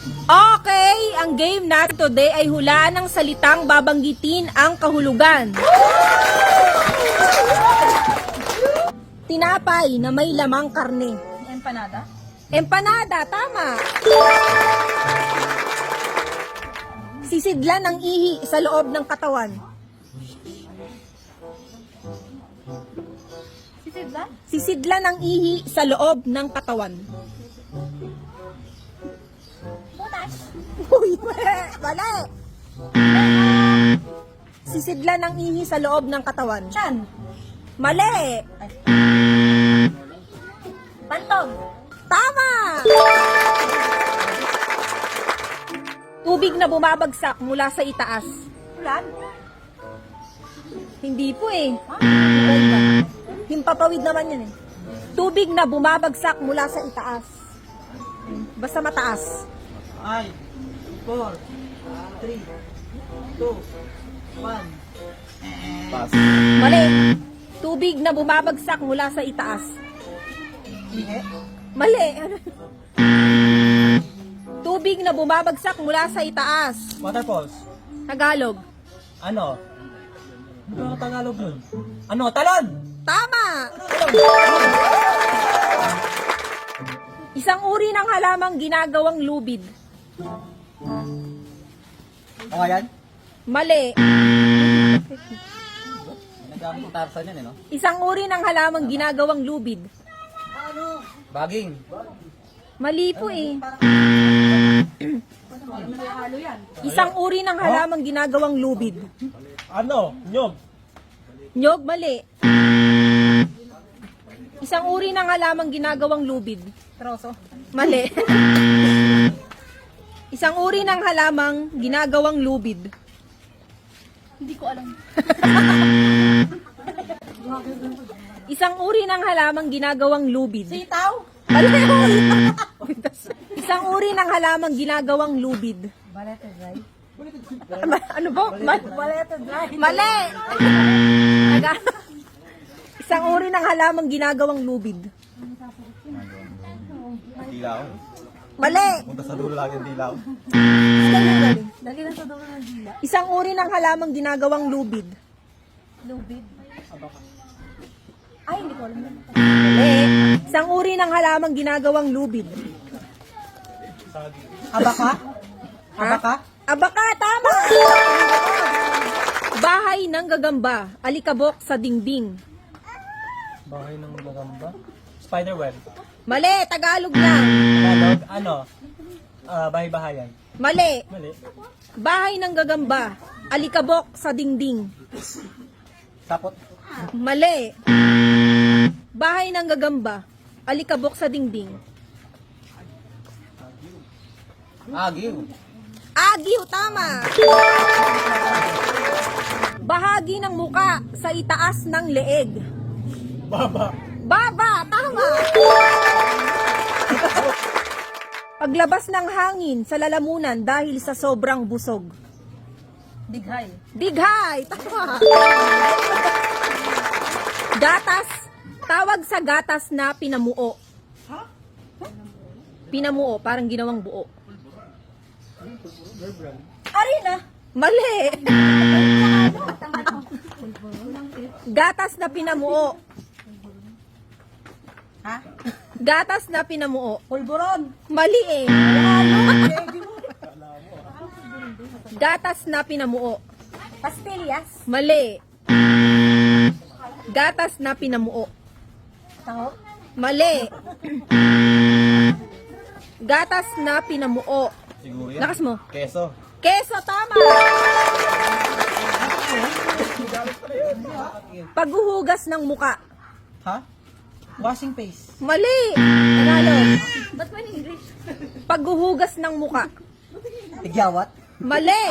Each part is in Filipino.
Okay, ang game natin today ay hulaan ng salitang babanggitin ang kahulugan. Tinapay na may lamang karne. Empanada? Empanada, tama. Sisidlan ng ihi sa loob ng katawan. Sisidlan? Sisidlan ng ihi sa loob ng katawan. Butas? Uy, mali. Sisidlan ng ihi sa loob ng katawan. Chan? Mali. Pantog? Tama. Tubig na bumabagsak mula sa itaas. Ulan? Hindi po eh. Iba-iba. Himpapawid naman yun eh. Tubig na bumabagsak mula sa itaas. Basta mataas. 5, 4, 3, 2, 1. Pass. Mali. Tubig na bumabagsak mula sa itaas. Ihe? Mali. Tubig na bumabagsak mula sa itaas. Waterfalls. Tagalog. Ano? Ano Tagalog yun? Ano? Talon! Tama! Isang uri ng halamang ginagawang lubid. O yan? Mali. Nagamit ng Tarzan yan eh, no? Isang uri ng halamang ginagawang lubid. Baging. Mali po eh. Halo yan. Isang uri ng halamang ginagawang lubid. Ano? Nyog. Nyog, mali. Isang uri ng halamang ginagawang lubid. Troso? Mali. Isang uri ng halamang ginagawang lubid. Hindi ko alam. Isang uri ng halamang ginagawang lubid. Sitaw? Mali. Isang uri ng halamang ginagawang lubid. Balete dry? Ano ba? Balete dry? Mali. Isang uri ng halamang ginagawang lubid. Dilaw. Mali. Punta sa dulo lang yung dilaw. Lagi na sa dulo ng dila. Isang uri ng halamang ginagawang lubid. Lubid? Ay, hindi ko alam yan. Mali. Isang uri ng halamang ginagawang lubid. Abaka? Ha? Abaka? Abaka, tama! Bahay ng gagamba, alikabok sa dingding. Bahay ng gagamba? Spiderweb. Mali, Tagalog lang. Tagalog? Ano? Bahay-bahayan. Mali. Mali. Bahay ng gagamba, alikabok sa dingding. Sapot. Mali. Bahay ng gagamba, alikabok sa dingding. Agiw. Agiw, tama. Bahagi ng muka sa itaas ng leeg. Baba. Baba, tama. Paglabas ng hangin sa lalamunan dahil sa sobrang busog. Dighay? Dighay, tama. Gatas, tawag sa gatas na pinamuo. Pinamuo, parang ginawang buo. Arena? Mali. Gatas na pinamuo. Ha? Gatas na pinamuo. Pulburon? Mali eh. Gatas na pinamuo. Pastillas? Mali. Gatas na pinamuo. Taho? Mali. Gatas na pinamuo. Siguro yan. Lakas mo. Keso. Keso, tama. Paghuhugas ng muka. Ha? Washing face. Mali. Tagalog. Ba't may English? Paghuhugas ng muka. Tigyawat. Mali.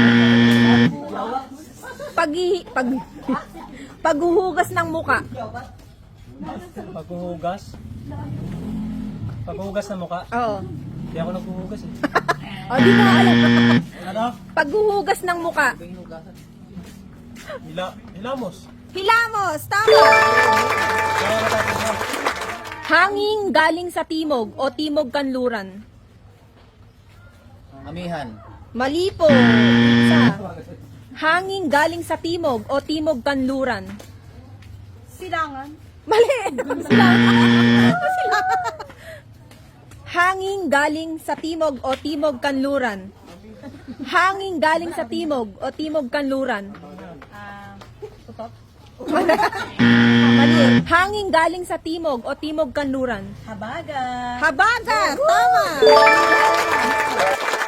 Paghuhugas ng muka. Paghuhugas. Paghuhugas ng mukha. Oo. Hindi ako naghuhugas eh. O, di mo alam. Ano? Paghuhugas ng muka. Hilamos. Hilamos, tama. Hanging galing sa timog o timog kanluran. Amihan. Mali po. Isa. Hangin galing sa timog o timog kanluran. Silangan. Mali. Silangan. Hangin galing sa timog o timog kanluran. Hangin galing sa timog o timog kanluran. Tutok. Mali. Hangin galing sa timog o timog kanluran. Habaga. Habagat! Tama!